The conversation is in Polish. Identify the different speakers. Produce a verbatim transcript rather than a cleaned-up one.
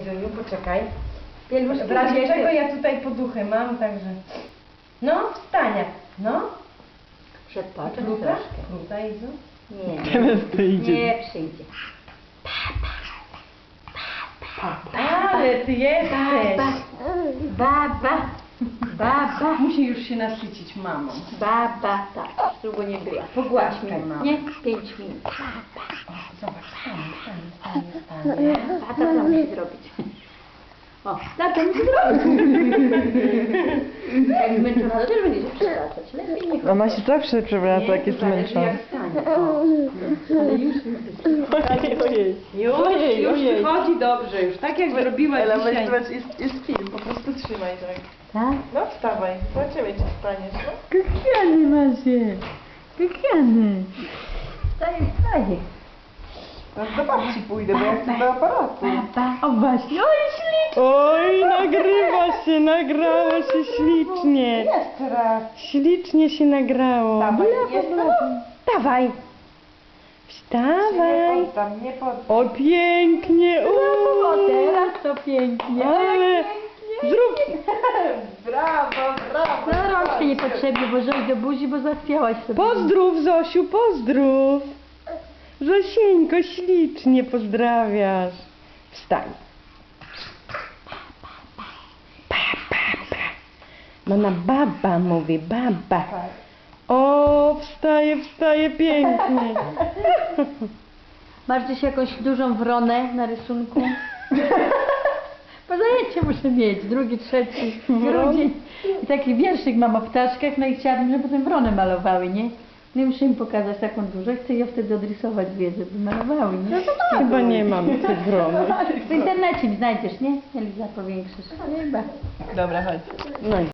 Speaker 1: Zuniu, poczekaj.
Speaker 2: Pieluszki
Speaker 1: W razie
Speaker 2: kobiety.
Speaker 1: czego ja tutaj poduchy mam, także... No, wstania. No.
Speaker 2: Przedpatrzę
Speaker 1: Kluta?
Speaker 2: troszkę.
Speaker 1: Kluta, Izu?
Speaker 2: Nie,
Speaker 3: Teraz to idzie.
Speaker 2: nie przyjdzie.
Speaker 1: Ale ty jesteś.
Speaker 2: Baba, baba, baba,
Speaker 1: Musi już się nasycić mamą.
Speaker 2: baba, tak, długo nie była.
Speaker 1: Pogłaskaj
Speaker 2: Pięć minut,
Speaker 1: mamę.
Speaker 2: nie? Pięć minut.
Speaker 1: Zobacz, stanie, stanie, stanie, stanie.
Speaker 2: A to co musi zrobić? O, tak to musi zrobić. Jak zmęczona, to też będzie się przewracać. Lepiej nie
Speaker 3: Ona się zawsze przewraca, jak jest
Speaker 1: zależy,
Speaker 3: zmęczona.
Speaker 1: jak stanie. O.
Speaker 2: Ale już
Speaker 3: Ojej, ojej.
Speaker 1: Już,
Speaker 3: Ojej,
Speaker 1: już
Speaker 3: ojej.
Speaker 1: wychodzi dobrze, już tak jak zrobiłaś
Speaker 3: Ela, weź,
Speaker 1: dzisiaj.
Speaker 3: weź, jest, jest film, po prostu trzymaj tak.
Speaker 2: tak?
Speaker 3: No wstawaj, zobaczymy czy wstaniesz, no.
Speaker 2: Kochany macie, kochany. Wstaje, wstaje.
Speaker 3: Teraz do babci pójdę, bo ja chcę do aparatu.
Speaker 2: Baba, o właśnie, oj ślicznie.
Speaker 3: Oj, nagrywa się, nagrało się ślicznie.
Speaker 1: Jeszcze raz.
Speaker 3: Ślicznie się nagrało.
Speaker 1: Dawaj, jeszcze raz.
Speaker 3: Dawaj.
Speaker 1: Nie
Speaker 3: Wstawaj.
Speaker 1: poddam, nie poddam.
Speaker 3: O, pięknie.
Speaker 2: O,
Speaker 3: Uuu.
Speaker 2: teraz to pięknie.
Speaker 3: Ale zrób.
Speaker 1: Brawo, brawo.
Speaker 2: No rączki niepotrzebnie, bo żeś do buzi, bo zachwiałaś sobie.
Speaker 3: Pozdrów, Zosiu, pozdrów. Zosieńko, ślicznie pozdrawiasz. Wstań. Pa, pa, pa. Mama baba mówi, baba. O, wstaje, wstaje pięknie.
Speaker 2: Masz gdzieś jakąś dużą wronę na rysunku? Bo zajęcie muszę mieć, drugi, trzeci, grudzień. I taki wierszyk mam o ptaszkach, no i chciałabym, żeby potem wronę malowały, nie? No i muszę im pokazać taką dużą, chcę je wtedy odrysować dwie, żeby malowały, nie?
Speaker 3: Chyba nie mam tej wrony.
Speaker 2: W internecie mi znajdziesz, nie? Eliza, powiększysz. Chyba.
Speaker 3: Dobra, chodź. No i